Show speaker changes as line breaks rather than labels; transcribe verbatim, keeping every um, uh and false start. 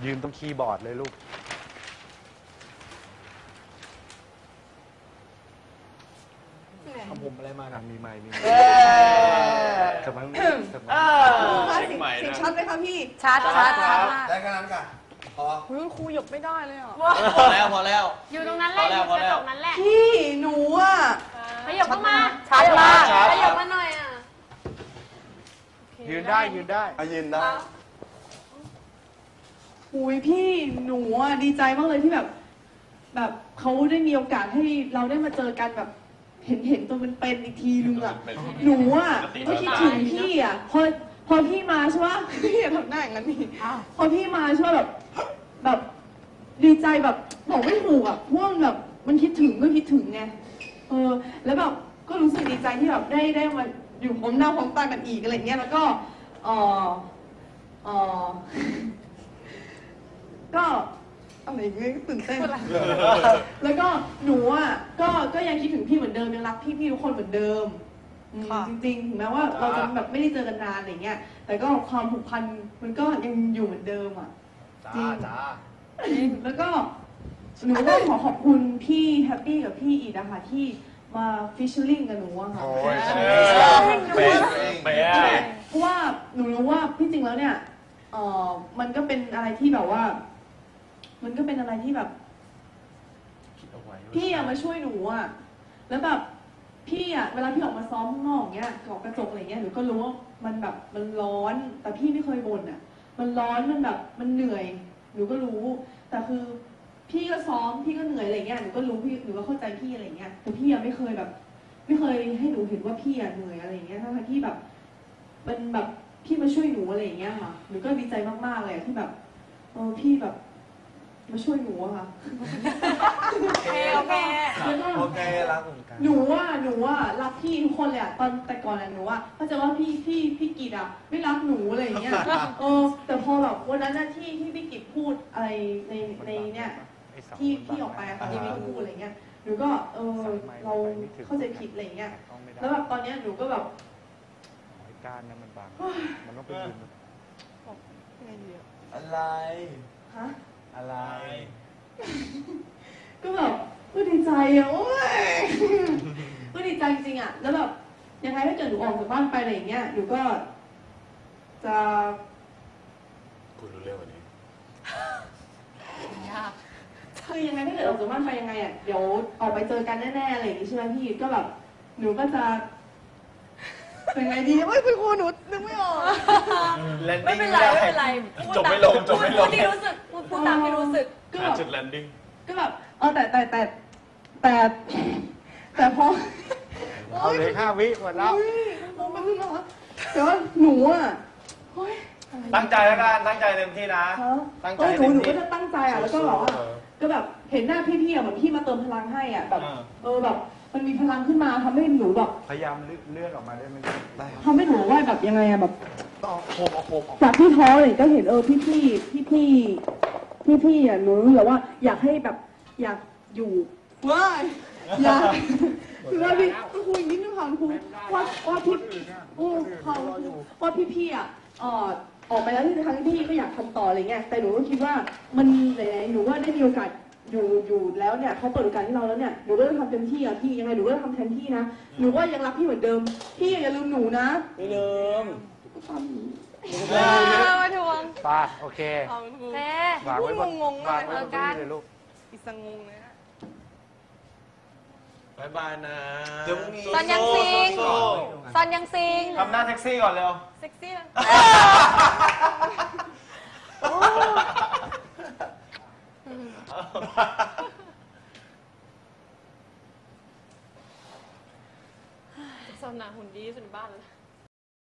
ยืนตรงคีย์บอร์ดเลยลูก
ทำผมอะไรมานะ
มีไม้มีไม้ทำไมทำไม
เสียงใหม่นะ
ชัดไหมคะพี่
ชัดชัดชัดมาก
ได้กันนั้นกันพอ
คุณครูหยกไม่ได้เลยอ่ะ
พอแล้วพอแล้ว
อยู่ตรงนั้นแหละอยู่กระจกนั้นแหละ
พี่หนูอ่ะ
ขยับเข้ามา
ชัดมาก
ขยับมาหน่อยอ่ะ
ยืนได้ยืนได้
ยืนได้
อุ้ยพี่หนูอ่ะดีใจมากเลยที่แบบแบบเขาได้มีโอกาสให้เราได้มาเจอกันแบบเห็นเห็นตัวมันเป็นอีกทีนึงอ่ะหนูอ่ะก็คิดถึงพี่อ่ะพอพอพี่มาใช่ป่ะพี่อย่าทำหน้าอย่างนั้นนี่พอพี่มาใช่ป่ะแบบแบบดีใจแบบบอกไม่ถูกอ่ะเพราะว่าแบบมันคิดถึงก็คิดถึงไงเออแล้วแบบก็รู้สึกดีใจที่แบบได้ได้มาอยู่พร้อมหน้าพร้อมตากันอีกอะไรเงี้ยแล้วก็เออเออก็อะไรเงี้ยตื่นเต้นแล้วก็หนูอ่ะก็ก็ยังคิดถึงพี่เหมือนเดิมยังรักพี่พี่ทุกคนเหมือนเดิมจริงๆถึงแม้ว่าเราจะแบบไม่ได้เจอกันนานอะไรเงี้ยแต่ก็ความผูกพันมันก็ยังอยู่เหมือนเดิมอ่ะจริงแล้วก็หนูก็ขอขอบคุณพี่แฮปปี้กับพี่อีดนะคะที่มาฟิชเชอร์ลิงกับหนูอะค่ะเพราะว่าหนูรู้ว่าพี่จริงแล้วเนี่ยเออมันก็เป็นอะไรที่แบบว่ามันก็เป็นอะไรที่แบบพี่อะมาช่วยหนูอะแล้วแบบพี่อะเวลาพี่ออกมาซ้อมข้างนอกเงี้ยออกกระจกอะไรเงี้ยหนูก็รู้ว่ามันแบบมันร้อนแต่พี่ไม่เคยบ่นอะมันร้อนมันแบบมันเหนื่อยหนูก็รู้แต่คือพี่ก็ซ้อมพี่ก็เหนื่อยอะไรเงี้ยหนูก็รู้พี่หนูก็เข้าใจพี่อะไรเงี้ยแต่พี่อะไม่เคยแบบไม่เคยให้หนูเห็นว่าพี่อะเหนื่อยอะไรเงี้ยทั้งที่แบบมันแบบพี่มาช่วยหนูอะไรเงี้ยค่ะหนูก็ดีใจมากๆเลยที่แบบเออพี่แบบมาช่วยหนูอะค่ะ
โอเคโอเค
โอเครักเหมือนกัน
หนูว่าหนูว่ารักพี่ทุกคนเลยอะตอนแต่ก่อนอะหนูว่าเขาจะว่าพี่พี่พี่กิตอะไม่รักหนูอะไรอย่างเงี้ยเออแต่พอแบบวันนั้นน่ะที่ที่พี่กิตพูดอะไรในในเนี่ยที่ที่ออกไปอะค่ะที่พี่พูดอะไรเงี้ยหนูก็เออเราเข้าใจผิดอะไรเงี้ยแล้วแบบตอนเนี้ยหนูก็แบบ
การนั้นมันบางมันต้องไปยืน
อะไร
ฮะ
อะไร
ก็แบบก็ดีใจอะโอ้ยก็ดีใจจริงๆอะแล้วแบบยังไงถ้าเกิดหนูออกจากบ้านไปอะไรอย่างเงี้ยหนูก็จะ
คุณรู้เรื่องวันนี้
ยาก
คือยังไงถ้าเกิดออกจากบ้านไปยังไงอะเดี๋ยวออกไปเจอกันแน่ๆอะไรอย่างงี้ใช่ไหมพี่ก็แบบหนูก็จะเป็นไงดีไม่คุณครูหนูนึกไม่ออก
ไม่เป็นไรไม่เป็นไร
จบไม่ลงจบไม่ลง
พูดที่รู้สึกพูดพูดตามที่รู้สึก
ก็แบบ
จุดแลนดิ้ง
ก็แบบเออแต่แต่แต่แต่แต่พอ
เอาเลยห้าวิหมดแล้ว
มองไปข้างนอกแต่ว่าหนูอ่ะ
ตั้งใจแล้วกันตั้งใจเต็มที่นะ
ตั้งใจหนูหนูก็จะตั้งใจอ่ะแล้วก็แบบว่าก็แบบเห็นหน้าพี่ๆอ่ะเหมือนพี่มาเติมพลังให้อ่ะแบบเออแบบมันมีพลังขึ้นมาทำให้หนูแบบ
พยายามเลื่อนออกมาได้ไหม
ทำให้หนูว่าแบบยังไงอะแบบ
โคมเอาโคมออก
จากที่ท้อเลยก็เห็นเออพี่พี่พี่พี่พี่พี่อ่ะหนูรู้แต่ว่าอยากให้แบบอยากอยู่ว่าอยากคือว่าพี่ครูอีกนิดนึงค่ะครูว่าว่าพี่โอ้เขาว่าพี่พี่อ่ะเออออกไปแล้วที่ครั้งที่พี่ก็อยากทำต่ออะไรเงี้ยแต่หนูก็คิดว่ามันไหนๆหนูว่าได้มีโอกาสอยู่อยู่แล้วเนี่ยเขาเปิดโอกาสให้เราแล้วเนี่ยหนูก็ต้องทำเต็มที่อ่ะพี่ยังไงหนูก็ต้องทำแทนที่นะหนูก็ยังรักพี่เหมือนเดิมพี่อย่าลืมหนูนะ
ไม่ลืม
เออมาทวง
ป้าโอเค
เต้
วางไว้บน
งงๆ
วางไว้บนที่เลยลูก
อีสังงงเลยนะ
บายบายนะ
ซอนยังซิงซอนยังซิง
ทำหน้าแท็กซี่ก่อนเร็ว
เซ็กซี่ซอนหนาหุ่นดีสุดบ้านเลย